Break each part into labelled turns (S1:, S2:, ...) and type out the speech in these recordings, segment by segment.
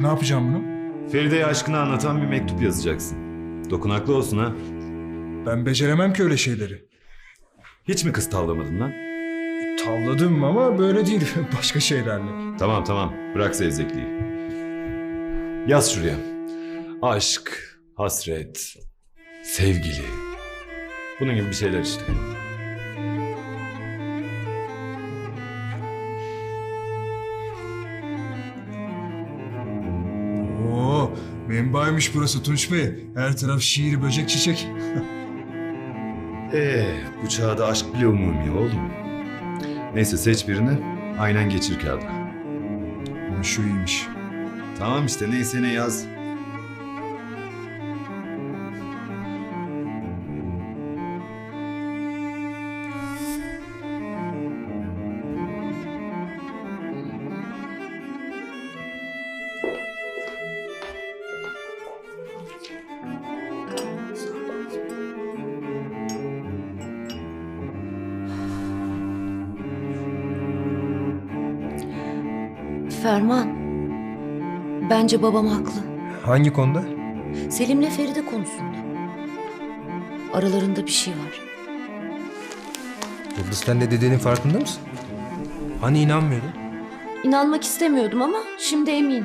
S1: Ne yapacağım bunu?
S2: Feride'ye aşkını anlatan bir mektup yazacaksın. Dokunaklı olsun ha.
S1: Ben beceremem ki öyle şeyleri.
S2: Hiç mi kız tavlamadın lan?
S1: Tavladım ama böyle değil. Başka şeylerle.
S2: Tamam. Bırak zevzekliği. Yaz şuraya. Aşk, hasret, sevgili. Bunun gibi bir şeyler işte.
S1: Oo, menbaymış burası Tunç Bey. Her taraf şiir, böcek, çiçek.
S2: Bu çağda aşk bile umumi oğlum. Neyse seç birini, aynen geçir kağıda.
S1: Ama şu iyiymiş.
S2: Tamam işte neyse ne yaz.
S3: Ferman, bence babam haklı.
S4: Hangi konuda?
S3: Selim'le Feride konusunda. Aralarında bir şey var.
S4: Yıldız sen de dedenin farkında mısın? Hani inanmıyordun?
S3: İnanmak istemiyordum ama şimdi eminim.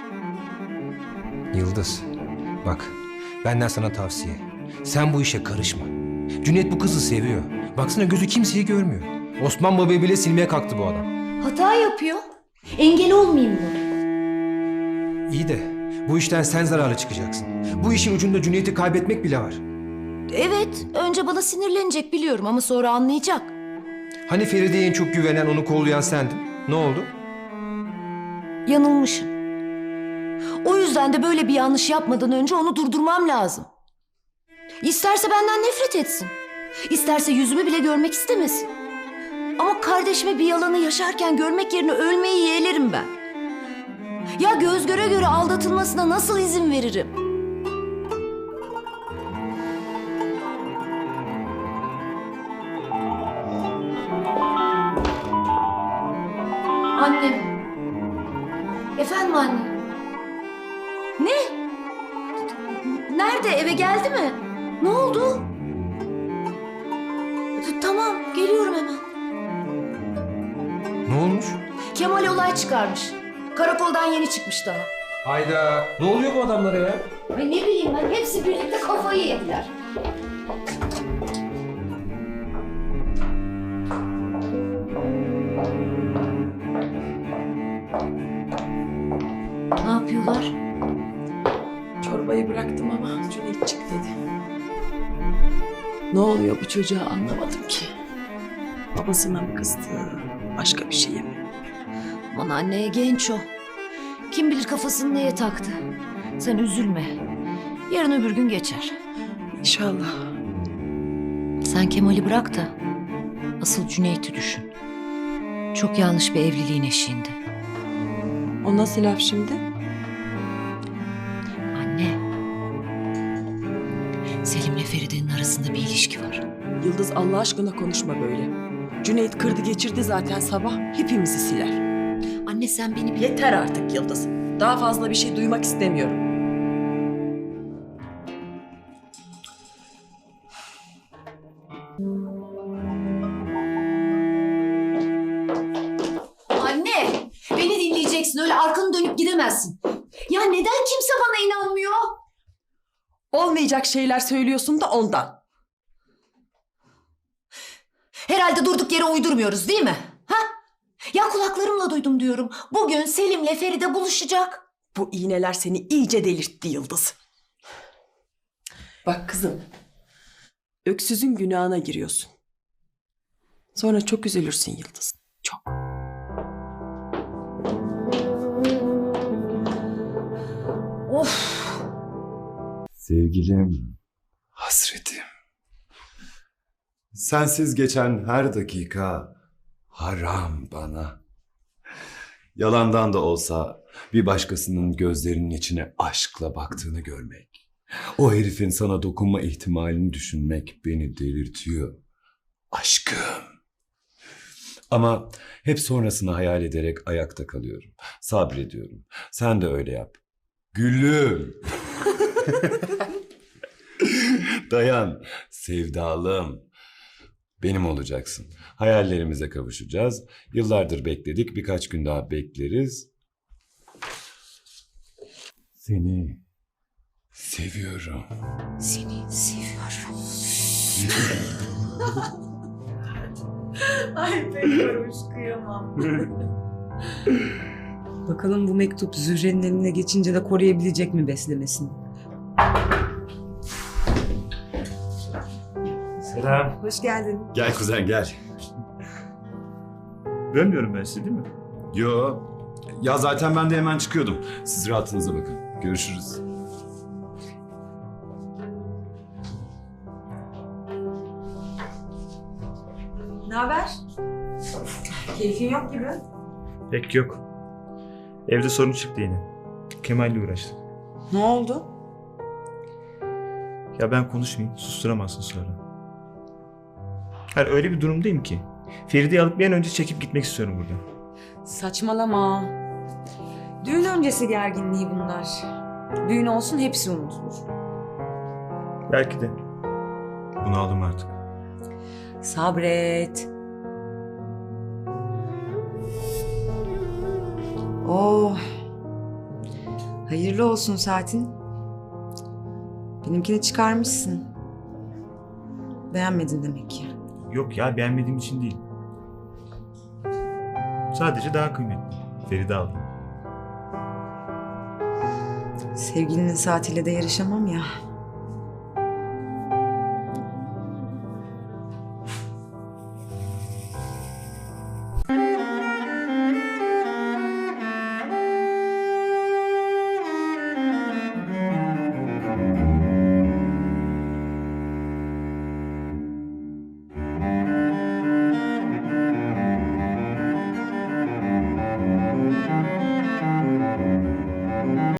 S4: Yıldız, bak benden sana tavsiye. Sen bu işe karışma. Cüneyt bu kızı seviyor. Baksana gözü kimseyi görmüyor. Osman Baba'yı bile silmeye kalktı bu adam.
S3: Hata yapıyor. Engel olmayayım mı?
S4: İyi de bu işten sen zararlı çıkacaksın. Bu işin ucunda Cüneyt'i kaybetmek bile var.
S3: Evet, önce bana sinirlenecek biliyorum ama sonra anlayacak.
S4: Hani Feride'ye en çok güvenen, onu kollayan sendin. Ne oldu?
S3: Yanılmışım. O yüzden de böyle bir yanlış yapmadan önce onu durdurmam lazım. İsterse benden nefret etsin. İsterse yüzümü bile görmek istemesin. Ama kardeşime bir yalanı yaşarken görmek yerine ölmeyi yeğlerim ben. Ya göz göre göre aldatılmasına nasıl izin veririm? Annem. Efendim anne. Ne? Nerede? Eve geldi mi? Ne oldu? Tamam, geliyorum hemen.
S4: Ne olmuş?
S3: Kemal olay çıkarmış. Karakoldan yeni çıkmış daha.
S4: Hayda. Ne oluyor bu adamlara ya?
S3: Ay ne bileyim ben, hepsi birlikte kafayı yediler. Ne yapıyorlar?
S5: Çorbayı bıraktım ama Cüneyt çık dedi. Ne oluyor bu çocuğa anlamadım ki. Babasına mı kızdı, başka bir şeye mi?
S3: Aman anneye genç o. Kim bilir kafasını neye taktı. Sen üzülme. Yarın öbür gün geçer.
S5: İnşallah.
S3: Sen Kemal'i bırak da asıl Cüneyt'i düşün. Çok yanlış bir evliliğin eşiğinde.
S5: O nasıl laf şimdi?
S3: Anne. Selim'le Feride'nin arasında bir ilişki var.
S5: Yıldız Allah aşkına konuşma böyle. Cüneyt kırdı geçirdi zaten sabah. Hepimizi siler.
S3: Anne sen beni
S5: Yeter artık Yıldız. Daha fazla bir şey duymak istemiyorum.
S3: Anne, beni dinleyeceksin. Öyle arkanı dönüp gidemezsin. Ya neden kimse bana inanmıyor?
S5: Olmayacak şeyler söylüyorsun da ondan.
S3: Herhalde durduk yere uydurmuyoruz değil mi? Ha? Ya kulaklarımla duydum diyorum. Bugün Selim'le Feride buluşacak.
S5: Bu iğneler seni iyice delirtti Yıldız. Bak kızım. Öksüzün günahına giriyorsun. Sonra çok üzülürsün Yıldız. Çok.
S3: Of.
S2: Sevgilim, hasretim. Sensiz geçen her dakika haram bana. Yalandan da olsa bir başkasının gözlerinin içine aşkla baktığını görmek. O herifin sana dokunma ihtimalini düşünmek beni delirtiyor. Aşkım. Ama hep sonrasını hayal ederek ayakta kalıyorum. Sabrediyorum. Sen de öyle yap. Gülüm. Dayan, sevdalım. Benim olacaksın. Hayallerimize kavuşacağız. Yıllardır bekledik, birkaç gün daha bekleriz. Seni seviyorum.
S3: Seni seviyorum.
S6: Ay bekliyormuş kıyamam. Bakalım bu mektup Zühre'nin eline geçince de koruyabilecek mi beslemesini?
S7: Selam.
S6: Hoş geldin.
S2: Gel kuzen gel.
S7: Bölmüyorum ben sizi değil mi?
S2: Yo. Ya zaten ben de hemen çıkıyordum. Siz rahatınıza bakın. Görüşürüz.
S6: Ne haber? Keyfin yok gibi.
S7: Pek yok. Evde sorun çıktı yine. Kemal'le uğraştım.
S6: Ne oldu?
S7: Ya ben konuşmayayım, susturamazsın sonra. Hayır öyle bir durumdayım ki. Feride'yi alıp bir an önce çekip gitmek istiyorum buradan.
S6: Saçmalama. Düğün öncesi gerginliği bunlar. Düğün olsun hepsi unutulur.
S7: Belki de. Bunu aldım artık.
S6: Sabret. Oh. Hayırlı olsun saatin. Benimkini çıkarmışsın. Beğenmedin demek ki.
S7: Yok ya beğenmediğim için değil. Sadece daha kıymetli. Feride aldım.
S6: Sevgilinin saatiyle de yarışamam ya.